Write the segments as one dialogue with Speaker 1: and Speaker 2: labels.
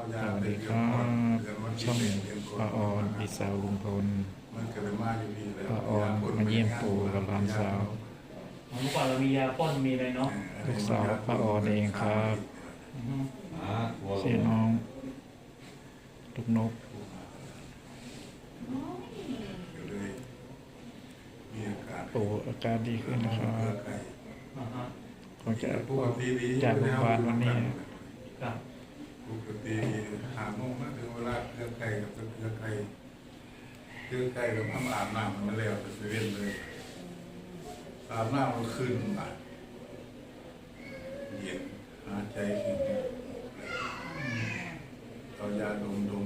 Speaker 1: สวัสดีครับช่องป้าออนพี่สาวลุงพลป้าออนมาเยี่ยมปู่กับหลานสาว
Speaker 2: เมื่อก่อนเรามียาป้อนมีอะไรเนาะ
Speaker 1: ลูกสาวป้าออนเองครับชื่อน้องลูกนกปู่อาการดีขึ้นนะครับก่อนจะออกจากโรงพยาบาลวันนี้
Speaker 2: ครับ
Speaker 3: ปกติหาโมงมาถึงเวลาเครื่องไก่กับเครื่องไก่กับทำอาบน้ำมันแล้วจะเว้นเลยอาบน้ำมันขึ้นมาเย็นหาใจขึ้นเอายาดมดู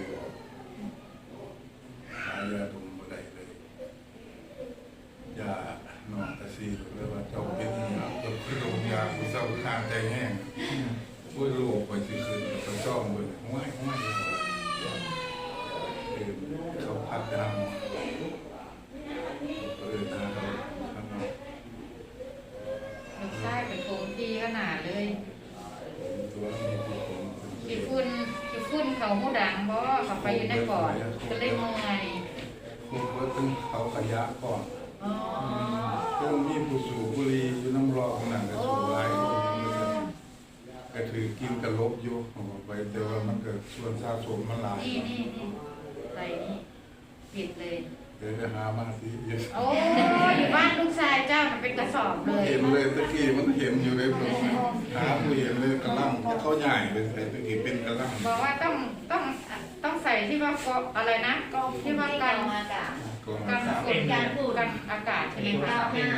Speaker 3: หายาดมมาได้เลยยานอนตะซีหรือว่าเจ้าเป็นยาตัวคือดมยาผู้เศร้าข้างใจแห้งช่วยลูกไปสิคืนเขาจ้องเลยห้วยเขาพัดดำนะเขาทำ
Speaker 4: ลูกชายเป็นโกงตีขนาดเลย
Speaker 3: ตัวนี้ที่ผม
Speaker 4: กี่ฝุ่นเขาหูดังเพราะเขาไปอยู่ในปอดก็เลยเมื่อย
Speaker 3: คุณว่าตึงเขาขยะก่อน
Speaker 4: อ๋อ
Speaker 3: ก็มีผู้สูบบุหรี่อยู่น้ำรอขนาดกระสูบไรก็ถือกินกระลบอยู่ไปแต่ว่ามันเกิดส่วนสะสมมันหลาย
Speaker 4: นี่ใส่นี่ปิดเลย
Speaker 3: เดี๋ยวจะหามาสิ
Speaker 4: โอ้อยู่บ้านลูกชายเจ้ามันเป็นกระสอบเลย
Speaker 3: เห็นเลยตะกี้มันเห็นอยู่เลยผมหาผู้เห็นเลยกระลังเขาใหญ่เลยใส่ตะกี้เป็นกระลัง
Speaker 4: บอกว่าต้องใส่ที่ว่าก็อะไรนะที่ว่ากันอากาศการพูดกันอากาศใช่ไหมคะ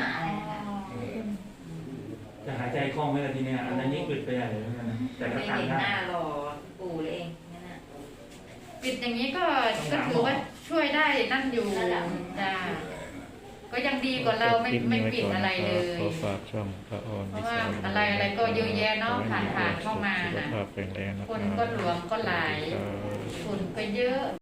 Speaker 2: จะหายใจคล่องไหมล่ะทีเนี้ยอันนั้นยิ่งอึดไปใหญ่เลยนะแต่ก็
Speaker 5: ไม่
Speaker 2: ทาน
Speaker 5: เห็น
Speaker 2: ได้
Speaker 5: หน้ารอปู่เลยเองนั่นน่ะ
Speaker 4: ปิดอย่างนี้ก็ถือว่าช่วยได้นั่นอยู่จ้าก็ยังดีกว่าเราไม่ปิดอะไรเลย
Speaker 1: ขอฝากช่องป้าออน
Speaker 4: เพ
Speaker 1: พี่
Speaker 4: ราะว่า
Speaker 1: สาวลุงพล
Speaker 4: อะไรก็เยอะแยะเนาะผ่านเข้ามา
Speaker 1: สุข
Speaker 4: นะ
Speaker 1: ภาพแข็งแรงนะค
Speaker 4: ค
Speaker 1: รั
Speaker 4: น
Speaker 1: บ
Speaker 4: ก็หลวมก็หลาย
Speaker 1: ครับ
Speaker 4: ฝุ่นก็เยอะ